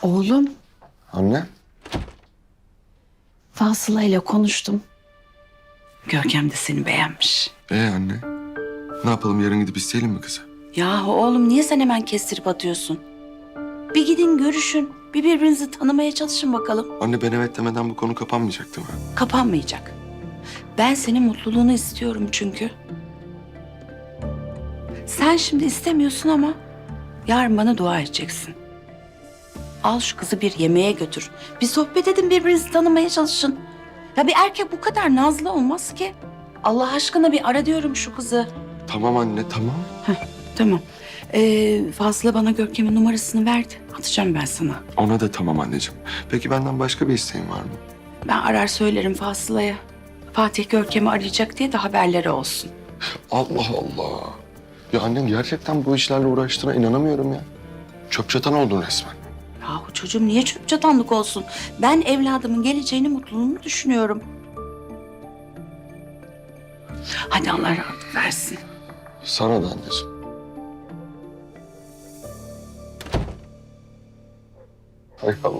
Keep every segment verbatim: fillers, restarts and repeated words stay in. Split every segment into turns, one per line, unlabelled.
Oğlum,
Anne.
Fasıla ile konuştum. Görkem de seni beğenmiş.
Ee anne. Ne yapalım, yarın gidip isteyelim mi kızı?
Yahu oğlum, niye sen hemen kestirip atıyorsun? Bir gidin görüşün. Bir birbirinizi tanımaya çalışın bakalım.
Anne, ben evet demeden bu konu kapanmayacak değil mi?
Kapanmayacak. Ben senin mutluluğunu istiyorum çünkü. Sen şimdi istemiyorsun ama yarın bana dua edeceksin. Al şu kızı bir yemeğe götür. Bir sohbet edin, birbirinizi tanımaya çalışın. Ya bir erkek bu kadar nazlı olmaz ki. Allah aşkına bir ara diyorum şu kızı.
Tamam anne, tamam.
Tamam. Ee, Fazla bana Görkem'in numarasını verdi. Atacağım ben sana.
Ona da tamam anneciğim. Peki benden başka bir isteğin var mı?
Ben arar söylerim Fazla'ya. Fatih Görkem'i arayacak diye de haberleri olsun.
Allah Allah. Ya annem gerçekten bu işlerle uğraştığına inanamıyorum ya. Çöp çatan oldun resmen.
Yahu çocuğum niye çöp çatanlık olsun? Ben evladımın geleceğini, mutluluğunu düşünüyorum. Hadi Allah rahatlık versin.
Sana da anneciğim. Hay Allah.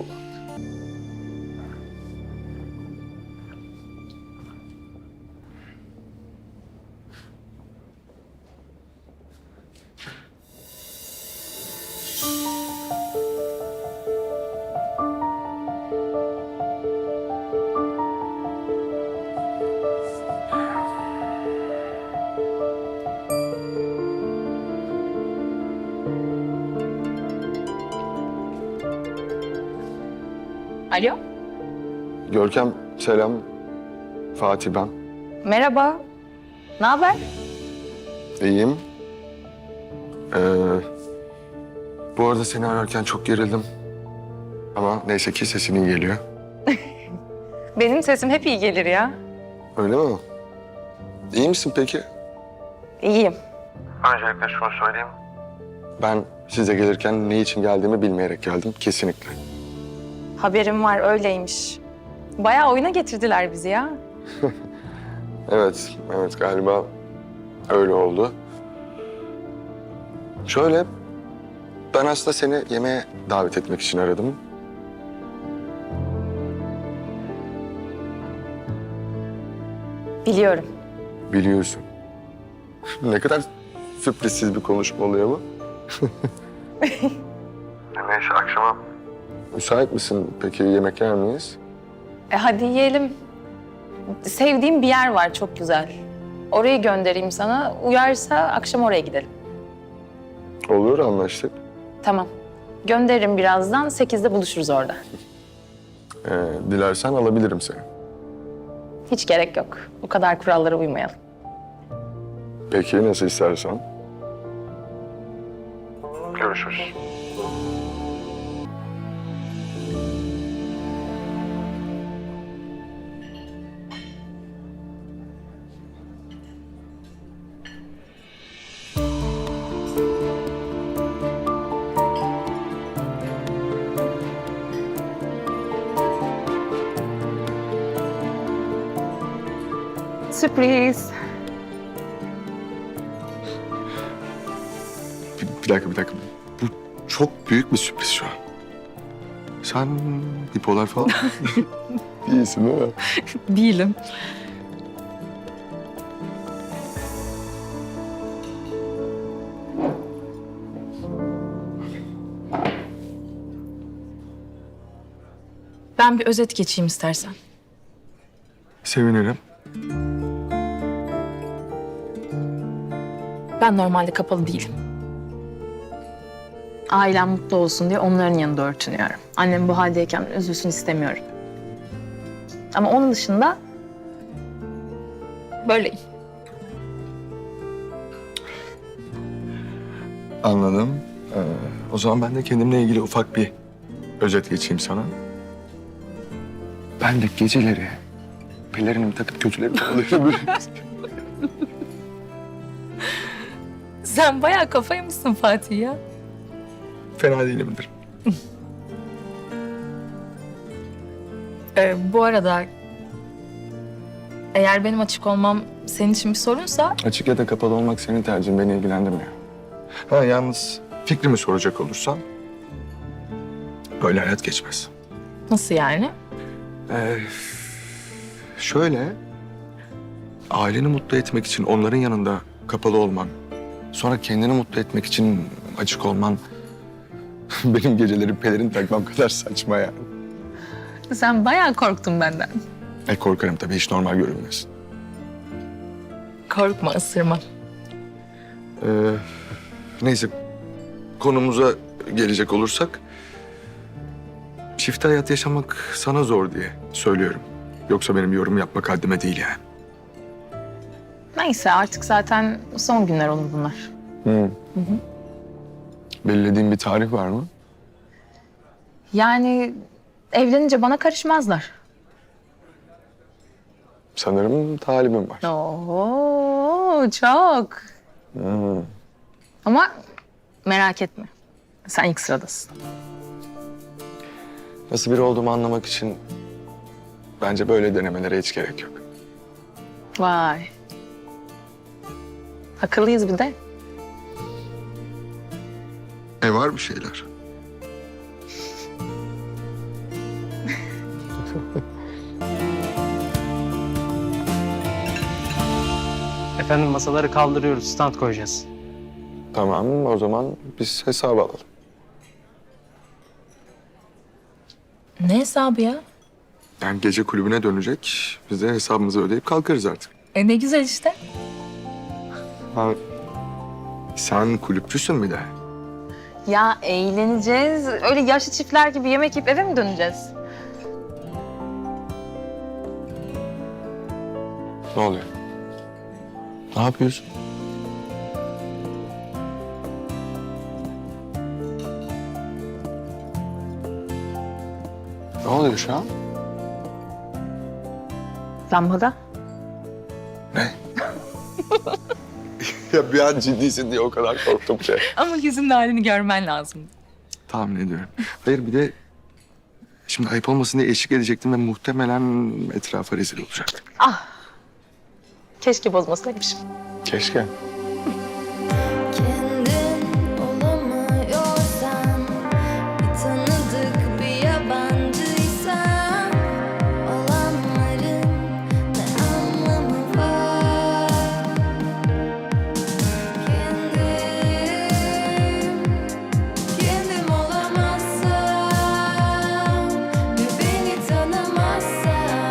Alo,
Görkem selam. Fatih ben.
merhaba. Ne haber?
İyiyim. Ee, bu arada seni ararken çok gerildim. Ama neyse ki sesin iyi geliyor.
Benim sesim hep iyi gelir ya.
Öyle mi? İyi misin peki?
İyiyim.
Öncelikle şunu söyleyeyim. Ben size gelirken ne için geldiğimi bilmeyerek geldim. Kesinlikle.
Haberim var, öyleymiş. Bayağı oyuna getirdiler bizi ya.
Evet, evet galiba öyle oldu. Şöyle, ben aslında seni yemeğe davet etmek için aradım.
Biliyorum.
Biliyorsun. Ne kadar sürprizsiz bir konuşma oluyor bu. Neyse, akşama müsait misin peki, yemek yer miyiz?
E hadi yiyelim. Sevdiğim bir yer var, çok güzel. Orayı göndereyim sana. Uyarsa akşam oraya gidelim.
Olur, anlaştık.
Tamam. Gönderirim birazdan. Sekizde buluşuruz orada.
Ee, dilersen alabilirim seni.
Hiç gerek yok. Bu kadar kurallara uymayalım.
Peki, nasıl istersen. Görüşürüz.
Sürpriz.
Bir, bir dakika, bir dakika. Bu çok büyük bir sürpriz şu an. Sen bipolar falan değilsin değil mi?
Değilim. Ben bir özet geçeyim istersen.
Sevinirim.
Ben normalde kapalı değilim. Ailem mutlu olsun diye onların yanında örtünüyorum. Annem bu haldeyken üzülsün istemiyorum. Ama onun dışında böyleyim.
Anladım. Ee, o zaman ben de kendimle ilgili ufak bir özet geçeyim sana. Ben de geceleri pelerinimi takıp kötülerimi alıyorum.
Sen bayağı kafaymışsın Fatih ya.
Fena değilimdir.
Ee, bu arada eğer benim açık olmam senin için bir sorunsa...
Açık ya da kapalı olmak senin tercihin, beni ilgilendirmiyor. Ha, yalnız fikrimi soracak olursan... böyle hayat geçmez.
Nasıl yani?
Ee, şöyle, aileni mutlu etmek için onların yanında kapalı olman, sonra kendini mutlu etmek için açık olman benim geceleri pelerin takmam kadar saçma yani.
Sen bayağı korktun benden.
E korkarım tabii, hiç normal görünmez.
Korkma, ısırma.
Ee, neyse, konumuza gelecek olursak, çift hayat yaşamak sana zor diye söylüyorum. Yoksa benim yorum yapmak haddime değil yani.
Neyse artık zaten son günler olur bunlar.
Hı. Belirlediğin bir tarih var mı?
Yani evlenince bana karışmazlar.
Sanırım talibim var.
Oo, çok.
Hı.
Ama merak etme. Sen ilk sıradasın.
Nasıl biri olduğumu anlamak için bence böyle denemelere hiç gerek yok.
Vay. Akıllıyız bir de.
E var bir şeyler.
Efendim masaları kaldırıyoruz, stand koyacağız.
Tamam, o zaman biz hesabı alalım.
Ne hesabı ya?
Yani gece kulübüne dönecek. Biz de hesabımızı ödeyip kalkarız artık.
E ne güzel işte.
Ha, sen kulüpçüsün bir de.
Ya eğleneceğiz. Öyle yaşlı çiftler gibi yemek yiyip eve mi döneceğiz?
Ne oluyor? Ne yapıyorsun? Ne oluyor şu an?
Lambada.
Ne? Ya bir an ciddisin diye o kadar korktum ki.
Ama yüzünün halini görmen lazım.
Tahmin ediyorum. Hayır, bir de şimdi ayıp olmasın diye eşlik edecektim ve muhtemelen etrafa rezil olacaktım.
Keşke bozmasaymışım.
Keşke.
Kendin olamıyorsan, bir tanıdık bir yabancıysan, olanların ne anlamı var? Kendim, kendim olamazsam ve beni tanımazsam,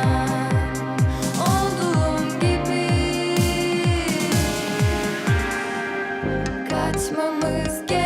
olduğum gibi kaçmamız gerek.